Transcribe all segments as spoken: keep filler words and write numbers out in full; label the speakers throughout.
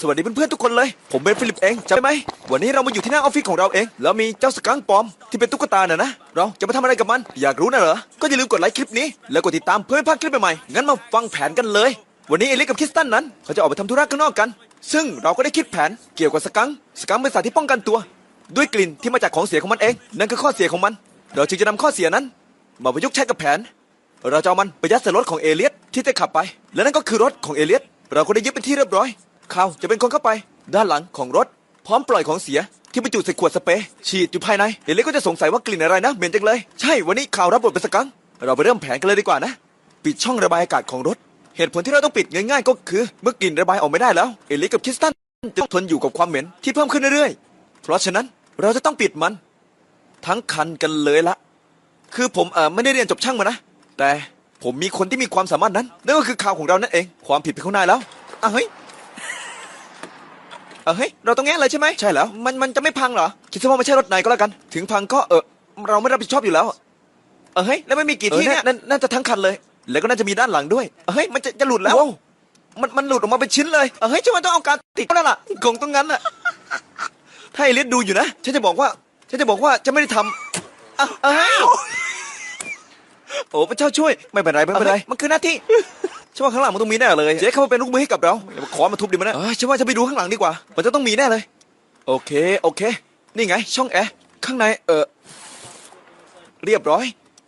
Speaker 1: สวัสดีเพื่อนๆทุกคนเลยผมเป็นฟิลิปเองจำได้ไหมวันนี้เรามาอยู่ที่หน้าออฟฟิศของเราเองแล้วมีเจ้าสกังค์ปลอมที่เป็นตุ๊กตาน่ะนะเราจะมาทำอะไรกับมันอยากรู้นะเหรอก็อย่าลืมกดไลค์คลิปนี้แล้วกดติดตามเพื่อไม่พลาดคลิปใหม่ๆงั้นมาฟังแผนกันเลยวันนี้เอลิสกับคริสตันนั้นเขาจะออกไปทำธุระข้างนอกกันซึ่งเราก็ได้คิดแผนเกี่ยวกับสกังค์สกังค์เป็นสัตว์ที่ป้องกันตัวด้วยกลิ่นที่มาจากของเสียของมันเองนั่นคือข้อเสียของมันเราจึงจะนำข้อเสียนั้นมาประยุกต์ใช้กับแผนเราจะเอามันไปยัดใส่รถของเอเลียสที่จะขับไปและนั่นก็คือรถของเอเลียสเราก็ได้ยึดเป็นที่เรียบร้อยเขาจะเป็นคนเข้าไปด้านหลังของรถพร้อมปล่อยของเสียที่บรรจุใส่ขวดสเปรย์ฉีดอยู่ภายในเอเลียสก็จะสงสัยว่ากลิ่นอะไรนะเหม็นจังเลยใช่วันนี้ข่าวรับบทเป็นสกังค์เราไปเริ่มแผนกันเลยดีกว่านะปิดช่องระบายอากาศของรถเหตุผลที่เราต้องปิดง่ายๆก็คือเมื่อกลิ่นระบายออกไม่ได้แล้วเอเลียสกับคริสตันจะต้องทนอยู่กับความเหม็นที่เพิ่มขึ้นเรื่อยๆเพราะฉะนั้นเราจะต้องปิดมันทั้งคันกันเลยละคือผมเออไม่ได้เรียนจบช่างมานะแต่ผมมีคนที่มีความสามารถนั้นนั่นก็คือข่าวของเรานั่นเองความผิดเป็นของนายแล้วอ่ะเฮ้ยอ่ะเฮ้ยเราต้องแง่เลยใช่ไหมใช่แล้วมันมันจะไม่พังเหรอคิดซะว่าไม่ใช่รถนายก็แล้วกันถึงพังก็เออเราไม่รับผิดชอบอยู่แล้วเออเฮ้ยแล้วไม่มีกี่ที่เนี่ยน่าจะทั้งคันเลยแล้วก็น่าจะมีด้านหลังด้วยเออเฮ้ยมันจะจะหลุดแล้วมันมันหลุดออกมาเป็นชิ้นเลยเออเฮ้ยฉันว่าต้องเอาการติดแล้วล่ะคงต้องงั้นอ่ะถ้าไอริสดูอยู่นะฉันจะบอกว่าฉันจะบอกว่าจะไม่ได้ทำอ่ะเฮ้ยโอ้พระเจ้าช่วยไม่เป็นไรไม่เป็นไรมันคือหน้าที่ฉันว่าข้างหลังมันต้องมีแน่เลยเจ๊เข้ามาเป็นลูกมือให้กับเราขอมาทุบดิมันนะฉันว่าจะไปดูข้างหลังดีกว่ามันจะต้องมีแน่เลยโอเคโอเคนี่ไงช่องแอร์ข้างในเออเรียบร้อย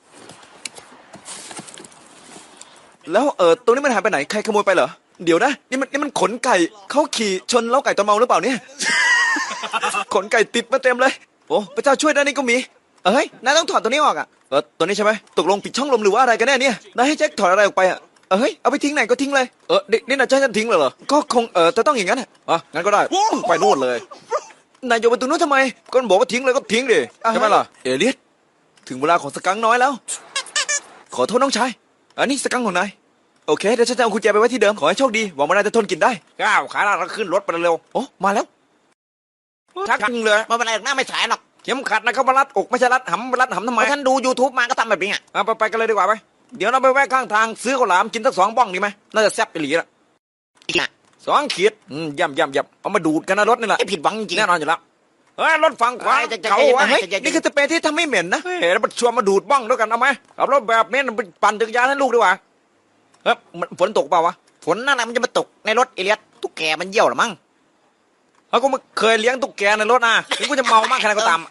Speaker 1: แล้วเออตรงนี้มันหายไปไหนใครขโมยไปเหรอเดี๋ยวนะนี่มันนี่มันขนไก่เขาขี่ชนเล้าไก่ตอนเมาหรือเปล่าเนี่ยขนไก่ติดมาเต็มเลยโอ้พระเจ้าช่วยด้านนี้ก็มีเอ้ยนายต้องถอดตัวนี้ออกอ่ะเออตัวนี้ใช่ไหมตกลงปิดช่องลมหรือว่าอะไรกันแน่เนี่ยนายให้แจ็คถอดอะไรออกไปอ่ะเฮ้ยเอาไปทิ้งไหนก็ทิ้งเลยเออนี่นายจะให้ฉันทิ้งเลยเหรอก็คงเออจะต้องอย่างนั้นอ่ะงั้นก็ได้ไปนู่นเลยนายโยนไปตรงนู้นทำไมก็บอกว่าทิ้งเลยก็ทิ้งดิใช่ไหมล่ะเอเลียสถึงเวลาของสกังน้อยแล้วขอโทษน้องชายอันนี้สกังของนายโอเคเดี๋ยวฉันจะเอากุญแจไปไว้ที่เดิมขอให้โชคดีหวังว่านายจะทนกินได้ก้าวขาเราขึ้นรถไปเร็วโอ้มาแล้วชักจริงเลยมาเป็นไรหน้าไม่สายหรอกเข็มขัดนะเขามารัดอกไม่ใช่รัดหำรัดหำทำไมฉันดู ยูทูบ มาก็ทำแบบนี้อ่ะเอาไปไปกันเลยดีกว่าไปเดี๋ยวเราไปแวะข้างทางซื้อข้าวหลามกินสักสองบ้องดีไหมน่าจะแซ่บไปหลีละสองขีดอืมย่ำย่ำย่ำเอามาดูดกันนะรถนี่แหละผิดหวังจริงแน่นอนอยู่แล้วเฮ้ยรถฝั่งขวาเขาเฮ้ยนี่คือสเปรย์ที่ทำให้เหม็นนะเฮ้ยแล้วมาชวนมาดูดบ้องด้วยกันเอาไหมขับรถแบบนี้มันปั่นจักรยานให้ลูกดีกว่าเฮ้ยฝนตกเปล่าวะฝนนั่นแหละมันจะมาตกในรถเอเลียสตุ๊กแกมันเยี่ยวหรือมั้งเขาก็ไม่เคยเลี้ยงตุ๊กแกในรถนะนี่กูจะเมามากแค่ไหนก็ตาม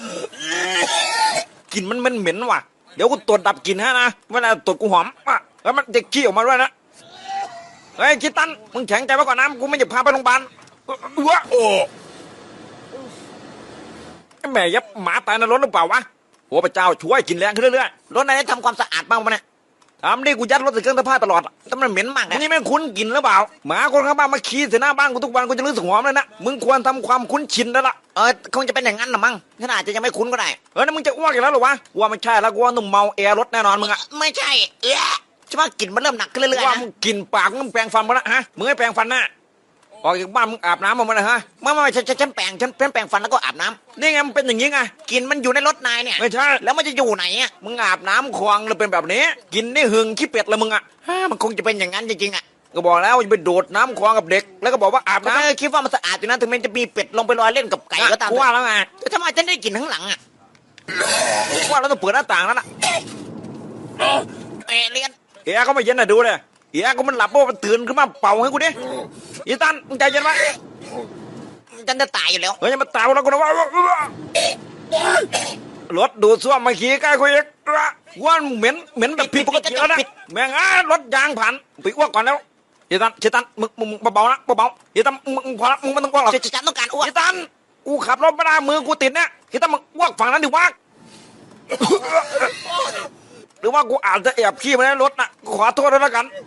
Speaker 1: กลิ่นมันมันเหม็นว่ะเดี๋ยวกูตรวจดับกลิ่นฮะนะเวลาตรวจกูหอมอ่ะแล้วมันจะขี้ออกมาด้วยนะเฮ้ยคิดตันมึงแข็งใจไว้ก่อนนะกูไม่จะพาไปโรงพยาบาลวะโอ้แม่ยับหมาตายในรถหรือเปล่าวะโอ้พระเจ้าช่วยกินแรงขึ้นเรื่อยๆรถนายได้ทำความสะอาดบ้างปะเนี่ยทำดิกูยัดรถใส่เครื่องซักผ้าตลอดแต่มันเหม็นมากนี่แม่งคุ้นกลิ่นหรือเปล่าหมาคนข้างบ้านมาขี้ใส่หน้าบ้านกูทุกวันกูจะรู้สึกหอมเลยนะมึงควรทำความคุ้นชินแล้วล่ะเออคงจะเป็นอย่างนั้นหรอมั้งขนาดจะยังไม่คุ้นก็ได้เออนี่มึงจะอ้วกอีกแล้วหรอวะกูว่าไม่ใช่แล้วกูว่านุ่มเมาแอร์รถแน่นอนมึงอะไม่ใช่เอ๊ะใช่ว่ากลิ่นมันเริ่มหนักขึ้นเรื่อยๆนะว่ามึงกลิ่นปากมึงแปรงฟันมาแล้วฮะมึงให้แปรงฟันนะออกจากบ้านมึงอาบน้ำมาเลยฮะไม่ไม่ฉันฉันแปรงฉันแปรงฟันแล้วก็อาบน้ำนี่ไงมันเป็นอย่างนี้ไงกลิ่นมันอยู่ในรถนายเนี่ยไม่ใช่แล้วมันจะอยู่ไหนอ่ะมึงอาบน้ำคลองเลยเป็นแบบนี้กินนี่หึงขี้เป็ดเลยมึงอ่ะมันคงจะเป็นอย่างนั้นจริงๆอ่ะก็บอกแล้วจะไปโดดน้ำคลองกับเด็กแล้วก็บอกว่าอาบน้ำคิดว่ามันสะอาดอยู่นะถึงแม้จะมีเป็ดลงไปลอยเล่นกับไก่ก็ตามว่าแล้วไงแต่ทำไมฉันได้กลิ่นข้างหลังอ่ะว่าเราต้องเปิดหน้าต่างแล้วล่ะเอเลียนเอ๋เขาไม่เย็นน่ะดูเลยเอ๋ก็มันหลับเพราะมันตื่นขึ้นมาเป่าให้กูดิอีตันมึงใจเย็นไว้ฉันจะตายอยู่แล้วเฮ้ยมาตายแล้วกูนะว่ารถดูดซ่วมมาขี่ใกล้กูอีกว่าเหม็นเหม็นแบบผิดปกติแล้วนะแม่งอ่ะรถยางผ่านไปอ้วกก่อนแล้วอีตันอีตันมึงมึงเบาๆนะเบาๆอีตันมึงมึงพอละมึงไม่ต้องอ้วกหรอกฉันต้องการอ้วกอีตันกูขับรถไม่ได้มือกูติดเนี่ยอีตันมึงอ้วกฝั่งนั้นดิวะหรือว่ากูอาจจะแอบขี้มาในรถนะขอโทษด้วยแล้วกัน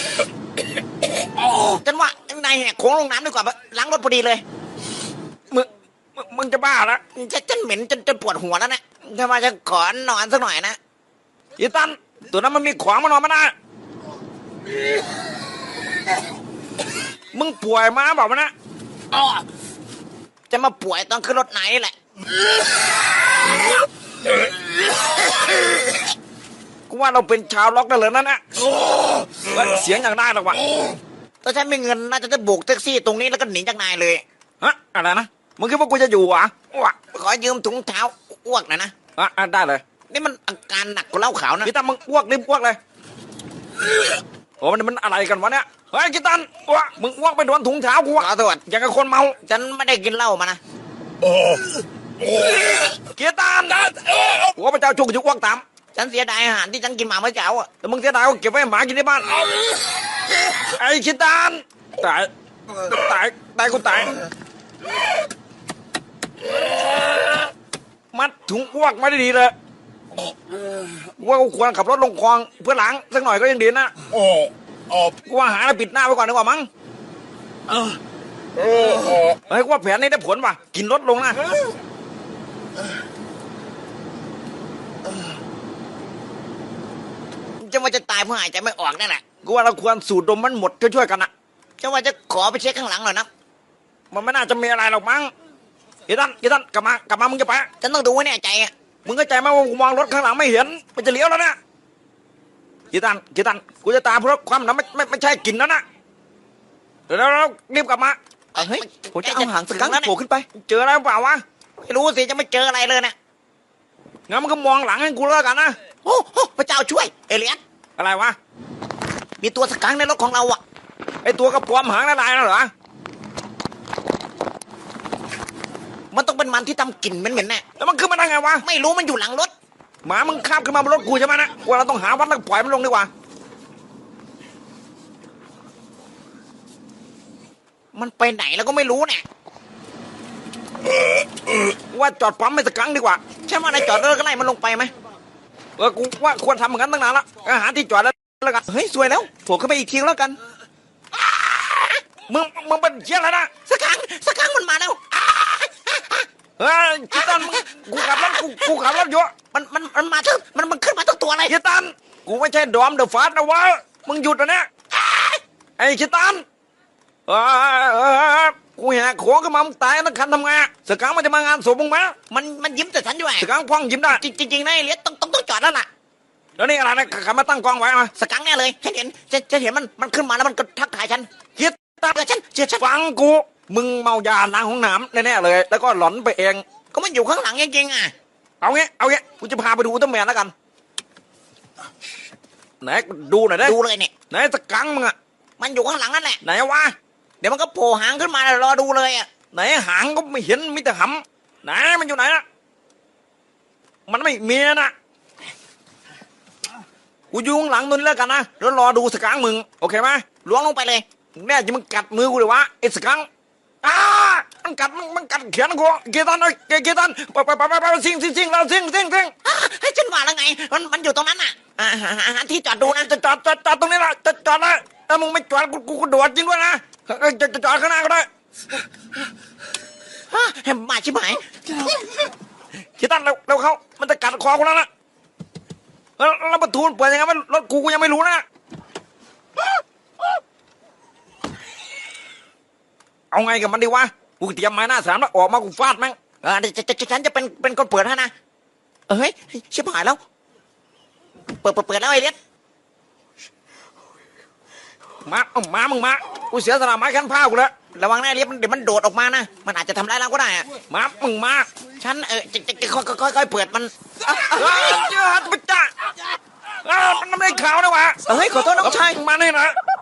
Speaker 1: ฉันว่านายแหกโค้งลงน้ำดีกว่าล้างรถพอดีเลยมึงมึงจะบ้าแล้วฉันฉันเหม็นจนจนปวดหัวแล้วนะถ้ามาจะขอนอนสักหน่อยนะอีตันตัวนั้นมันมีขวางมานอนมานะมึงป่วยมาบอกมันนะจะมาป่วยตอนขึ้นรถไหนนี่แหละกูว่าเราเป็นชาวล็อกได้เลยนั่นนะเสียงอย่างได้หรอกวะ
Speaker 2: ถ้าฉันไม่เงินน่าจะจะโบกแท็กซี่ตรงนี้แล้วก็หนีจากนายเลย
Speaker 1: ฮะอะไรนะมึงคิดว่ากูจะอยู่เหรอวะ
Speaker 2: ขอยืมถุงเท้าอ้วกหน่อยนะ
Speaker 1: อ่ะอ่ะได้เลย
Speaker 2: นี่มันอาการหนักกว่าเหล้าขาวนะ
Speaker 1: กีตันมึงอ้วกรีบอ้วกเลยโอ้มันมันอะไรกันวะเนี่ยเฮ้ยกีตันอ้วกมึงอ้วกไปโดนถุงเท้ากู
Speaker 2: ข
Speaker 1: อะ
Speaker 2: อโทษ
Speaker 1: อย่างกับคนเมา
Speaker 2: ฉันไม่ได้กินเหล้ามานะ
Speaker 1: กีตันหัวพระเจ้าช่วยกูจะอ้วกตาม
Speaker 2: ฉันเสียดายอาหารที่ฉันกินมาเมื่อเช้าอ่ะ
Speaker 1: แต่มึงเสียดายก็เก็บไว้ให้หมากินที่บ้านไอ้กีตันตายตายตายกูตายมัดถุงอ้วกไม่ได้ดีเลยว่ากูควรขับรถลงคลองเพื่อล้างสักหน่อยก็ยังดีนะ
Speaker 3: โอ้โอ้
Speaker 1: กูว่าหาอะไรปิดหน้าไว้ก่อนดีกว่ามั้ง
Speaker 3: โอ้โอ้
Speaker 1: เฮ้ยกูว่าแผนนี้ได้ผลว่ะกินลดลงนะ
Speaker 2: จะว่าจะตายเพราะหายใจไม่ออกนั่นแหละ
Speaker 1: กูว่าเราควรสูดดมมันหมดช่วยๆกันนะ
Speaker 2: จะว่าจะขอไปเช็คข้างหลังหน่อยนะ
Speaker 1: มันไม่น่าจะมีอะไรหรอกมั้งกีตันกีตันกลับมากลับมามึงจะไป
Speaker 2: ฉันต้องดูให้แน่ใจอ่ะ
Speaker 1: มึงก็ใจไหมว่ากูมองรถข้างหลังไม่เห็นมันจะเลี้ยวแล้วนะกีตันกีตันกูจะตามเพราะความนะไม่ไม่ไม่ใช่กลินแล้วนะเดี๋ยวเรารีบกลับมา
Speaker 2: เฮ้ย
Speaker 1: ผมจะเอาหางสกังค์โผล่ขึ้นไป เจออะไรเปล่าวะ
Speaker 2: ไม่รู้สิจะไม่เจออะไรเลยเนี่ย
Speaker 1: งั้นมันก็มองหลังให้กูแล้วกันนะ
Speaker 2: โอ้โหพระเจ้าช่วยเอเลียส
Speaker 1: อะไรวะ
Speaker 2: มีตัวสกังในรถของเราอ่ะ
Speaker 1: ไอตัวกระปอมหางละลายน่ะเหรอ
Speaker 2: มันต้องเป็นมันที่ทำกลิ่นเหม็นๆแน่
Speaker 1: แล้วมันขึ้นมาได้ไงวะ
Speaker 2: ไม่รู้มันอยู่หลังรถ
Speaker 1: หมามึงข้ามขึ้นมาบนรถกูใช่ไหมนะว่าเราต้องหาวัดแล้วปล่อยมันลงดีกว่า
Speaker 2: มันไปไหนแล้วก็ไม่รู้เนี่ย
Speaker 1: ว่าจอดปั๊มไม่สักครั้งดีกว่า
Speaker 2: ใช่ไหมนายจอดรถก็ไล่มันลงไปไหม
Speaker 1: เออกูว่าควรทำเหมือนกันตั้งนานละอาหารที่จอดแล้วแล้วกัน
Speaker 2: เฮ้ยสวยแล้วโผล่ขึ้นไปอีกทีแล้วกัน
Speaker 1: มึงมึงเป็นเชี่ยอะไรนะ
Speaker 2: สกังสกังมันมาแล้ว
Speaker 1: เฮ้ยกีตันมึงกูขับรถกูกูขับรถอยู่
Speaker 2: มันมันมันมาทั้งมันมันขึ้นมาทั้งตัวเลย
Speaker 1: กีตันกูไม่ใช่ดอมเดอะฟาสนะวะมึงหยุดนะเนี่ยไอ้กีตันเออเออกูแหกโค้งขึ้นมามึงตายทั้งคันทำไงสกังมันจะมางานศพมึงไหม
Speaker 2: มันมันยิ้มแต่ฉันด้วย
Speaker 1: สกังพ่องยิ้มได้
Speaker 2: จริงจริงๆนะเอเลียสต้องต้องต้องจอดแล้วล่ะ
Speaker 1: แล้วนี่อะไรนะขับมาตั้งกล้องไว้มา
Speaker 2: สกังแน่เลยฉันเห็นฉันฉันเห็นมันมันขึ้นมาแล้วมันก็ทักทายฉัน
Speaker 1: กีตัน
Speaker 2: เจอฉันเจอฉัน
Speaker 1: ฟังกู มึงเมายาล้างห้องน้ำแน่ๆเลย แล้วก็หลอนไปเอง
Speaker 2: ก็มันอยู่ข้างหลังจริงๆอ่ะ
Speaker 1: เอางี้ เอางี้ กูจะพาไปดูอุลตร้าแมนแล้วกัน ไหนดูหน่อยได้
Speaker 2: ดูเลยเนี่ย
Speaker 1: ไหนสกังมึงอะ
Speaker 2: มันอยู่ข้างหลังนั่นแหละ
Speaker 1: ไหนวะ
Speaker 2: เดี๋ยวมันก็โผล่หางขึ้นมาแล้วรอดูเลยอ่ะ
Speaker 1: ไหนหางก็ไม่เห็นมีแต่หำไหนมันอยู่ไหนนะมันไม่มีนะกูอยู่ข้างหลังนู่นแล้วกันนะแล้วรอดูสกังมึง โอเคไหม
Speaker 2: ล้วงลงไปเลย
Speaker 1: แน่จะมึงกัดมือกูเลยวะไอ้สกังอ้ามันกัดมันมันกัดแขนกูเกตันเอ้ยเกเกตันไปไปไปไปไปซิ่งซิ่งซิ่งแล้วซิ่งซิ่งซิ่ง
Speaker 2: อ่ะให้ฉันว่าแล้วไง มันมันอยู่ตรงนั้นอ่ะอ่าหาหาหาที่จอดดูนะ
Speaker 1: จะจอดจอดจอดตรงนี้ละจะจอดเลยถ้ามึงไม่จอดกูกูกูโดดจริงด้วยนะเอ้ยจะจะจอดข้างหน้าก็ได้
Speaker 2: ฮะแหมมาชิบหาย
Speaker 1: เกตันเร็วเร็วเขามันจะกัดคอกูแล้วนะแล้วแล้วประตูมันเปิดยังไงวะรถกูกูยังไม่รู้นะเอาไงกับมันดีวะกูเตรียมไม้หน้าสามแล้วออกมากูฟาดแม่ง
Speaker 2: เออจะจะจะฉันจะเป็นเป็นคนเปิดให้นะเอ้ยชิบหายแล้ว เปิดเปิดเปิดแล้วไอ้เลียส
Speaker 1: มาเอามามึงมากูเสียสละไม้ขั้นผ้ากูแล้ว
Speaker 2: ระวังนะไอ้เลียสมันเดี๋ยวมันโดดออกมานะ มันอาจจะทำร้ายเราก็ได้อะ
Speaker 1: มามึงมา
Speaker 2: ฉันเออจะจะจะค่อยค่อยค่อยเปิดมัน
Speaker 1: เฮ้ยเจ้าฮัตปะจ้าอ้าวมันไม่ได้ข่าวนะวะ
Speaker 2: เฮ้ยขอโทษน้องชาย
Speaker 1: มานี่นะ